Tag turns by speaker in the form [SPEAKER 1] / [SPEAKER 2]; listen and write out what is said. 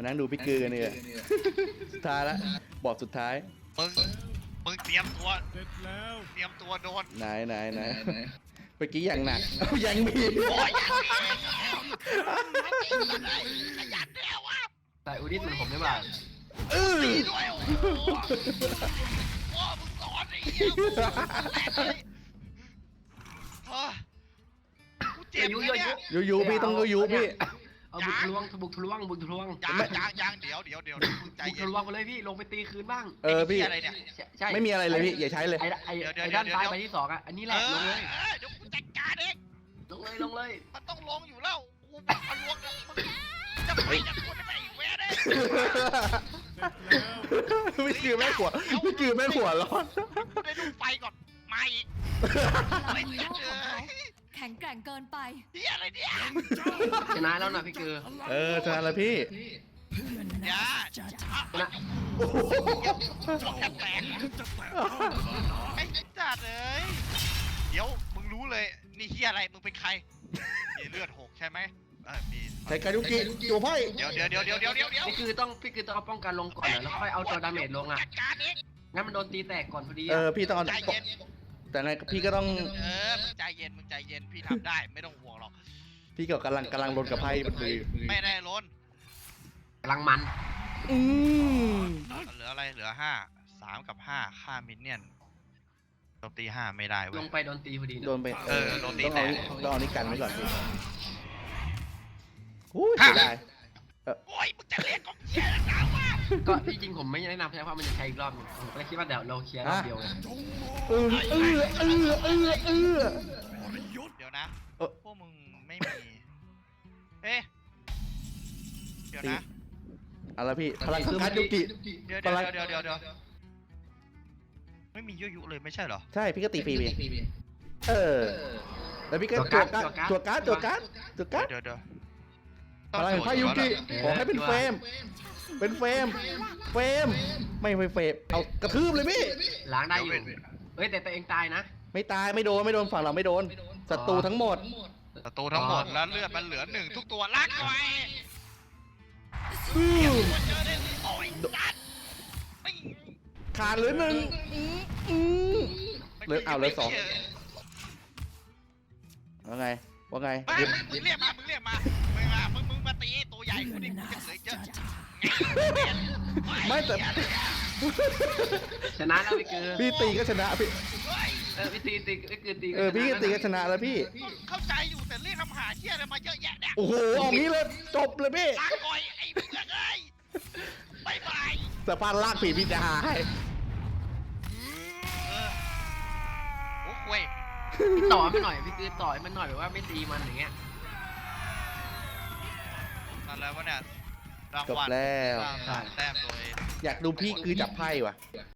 [SPEAKER 1] มานั่งดูพี่กือกันเนี่ยสุดท้ายแล้วบอดสุดท้าย
[SPEAKER 2] มึงเตรียมตัว
[SPEAKER 3] เสร็จแล้ว
[SPEAKER 2] เตรียมตัวโดน
[SPEAKER 1] ไหนเมื่อกี้อย่างหนักยังมี
[SPEAKER 2] โอ้ยยังมีขยันแล้วอ่ะ
[SPEAKER 4] แต่อุดิสเหมือนผมได้ป่ะ
[SPEAKER 2] ตีด้วยโอ้โหพ่อมึงสอนไอ้เหี้ยกูเจ็บเลยเนี่ย
[SPEAKER 1] ยูพี่ต้องยูพี่
[SPEAKER 4] เอาบุกทะลวงบุกทะลวงบุกทะลวง
[SPEAKER 2] ยังเดี๋ยวมึงใจ
[SPEAKER 4] บุก
[SPEAKER 2] เย็น
[SPEAKER 4] ทะลวงไปเลยพี่ลงไปตีคืนบ้าง
[SPEAKER 1] พี่
[SPEAKER 2] อะไรเนี่ย
[SPEAKER 4] ใช่
[SPEAKER 1] ไม่มีอะไรเลยพี่อย่าใช้เลย
[SPEAKER 4] ไอ้ด้านซ้ายไปที่สองอ่ะอันนี้แหละลงเลย
[SPEAKER 2] เดี๋ยวกูจัดการเอง
[SPEAKER 4] ลงเลย
[SPEAKER 2] มันต้องลงอยู่แล้วกูบอกทะลวงแล้วมึงจะไปจะกดไปอีกเว้ยเด้
[SPEAKER 1] พี่กือแม่หัวพี่กือแม่หัวร้อน
[SPEAKER 2] ได้ดูไฟก่อนมาอีก
[SPEAKER 5] พลังฮีโร่ของเขาแข็งแกร่งเกินไป
[SPEAKER 2] เฮียอะไรเนี่ย
[SPEAKER 4] ชนะแล้วนะพี่เกอ
[SPEAKER 1] ชนะแล้วพี่
[SPEAKER 2] อย่า
[SPEAKER 4] ชนะ
[SPEAKER 2] จบแทบแตกไอ้จัดเลยเดี๋ยวมึงรู้เลยนี่เฮียอะไรมึงเป็นใครมีเลือดหกใช่ไหมมี
[SPEAKER 1] ใช้การยุกิตัวไพ่
[SPEAKER 2] เดี๋ยว
[SPEAKER 4] พี่คือต้องเอาป้องกันลงก่อนแล้วค่อยเอาตัวดาเมจลงอ่ะ
[SPEAKER 2] จัดการเอง
[SPEAKER 4] งั้นมันโดนตีแตกก่อนพอดี
[SPEAKER 1] พี่ต้อง
[SPEAKER 2] ใจเย็น
[SPEAKER 1] แต่ไงพี่ก็ต้อง
[SPEAKER 2] มึงใจเย็นพี่ทำได้ไม่ต้องห่วงหรอก
[SPEAKER 1] พี่ก็กำลังลนกับไพ่มันเลย
[SPEAKER 2] ไม่ได้ล้น
[SPEAKER 4] กำลังมัน
[SPEAKER 2] เหลืออะไรเหลือ3 กับ 5ค่ามินเนี่ยนโจมตี5ไม่ได้เว้
[SPEAKER 4] ล
[SPEAKER 2] ย
[SPEAKER 4] งไปโดนตีพอดี
[SPEAKER 1] โดนไป
[SPEAKER 2] โดนตี
[SPEAKER 1] ต้อง
[SPEAKER 2] แต
[SPEAKER 1] เอา
[SPEAKER 2] ก
[SPEAKER 1] นี่กันไว้ก่อนพี่เสียดาย
[SPEAKER 2] โอ้ยมึงจะเรียกก็เฮียแล้ววะ
[SPEAKER 4] ก็ที่จริงผมไม่แนะนำใช่เพราะมันจะใช้อีกรอบนึงผมก็เลยคิดว่าเดี๋ยวเราเคลียร์รอบเดียวเลย
[SPEAKER 2] เดี๋ยวนะพวกมึงไม่มีเดี๋ยวนะ
[SPEAKER 1] อะไรพี่พลังการยุกิ
[SPEAKER 2] เดี๋ยวไม่มียุเลยไม่ใช่เหรอ
[SPEAKER 1] ใช่พี่ก็ตีฟรีแล้วพี่ก็ตัวการ์ด
[SPEAKER 2] เดี๋ยว
[SPEAKER 1] พลังไพ่ยุกิขอให้เป็นเฟรมไม่เฟรมเอากระทืบเลยพี่
[SPEAKER 4] ล้างได้อยู่เฮ้ยแต่ตัวเองตายนะ
[SPEAKER 1] ไม่ตายไม่โดนฝั่งเราไม่โดนศัตรูทั้งหมด
[SPEAKER 2] ศัตรูทั้งหมดแล้วเลือดมันเหลือ1ทุกตัวลากไว้เจอได้โอ้ยจัด
[SPEAKER 1] ขาดเหลือ1เหลือ2ว่าไง
[SPEAKER 2] มึงเรียกมามึงมาตีตัวใหญ่กูดิกูจะเหลือเยอะ
[SPEAKER 1] ไม่แต่
[SPEAKER 4] ชนะแล้วพี่เกอ
[SPEAKER 1] พี่ตีก็ชนะพี่
[SPEAKER 4] พี่ตีพี่ตี
[SPEAKER 1] พี่ก็ตีก็ชนะแล้วพี่
[SPEAKER 2] เข้าใจอยู่แต่เรียกคำหาเชี่ยอะไรมาเยอะแยะเนี่ย
[SPEAKER 1] โอ้โหออกนี้เลยจบเลยพี่
[SPEAKER 2] ลากก่อยไอ้เพื่อนเอ้ยบายบาย
[SPEAKER 1] สะพานลากผีพี่จะหาให้
[SPEAKER 2] โอ้คุย
[SPEAKER 4] ต่อมันหน่อยพี่คือต่อยมันหน่อยแบบว่าไม่ตีมันอย่างเงี้ย
[SPEAKER 2] นั่นแล้ววะเนี่ยราง
[SPEAKER 1] จบ
[SPEAKER 2] วัล
[SPEAKER 1] แล้ว
[SPEAKER 2] สร้างแต้มโดย
[SPEAKER 1] อยากดูพี่คือจับไพ่ว่ะ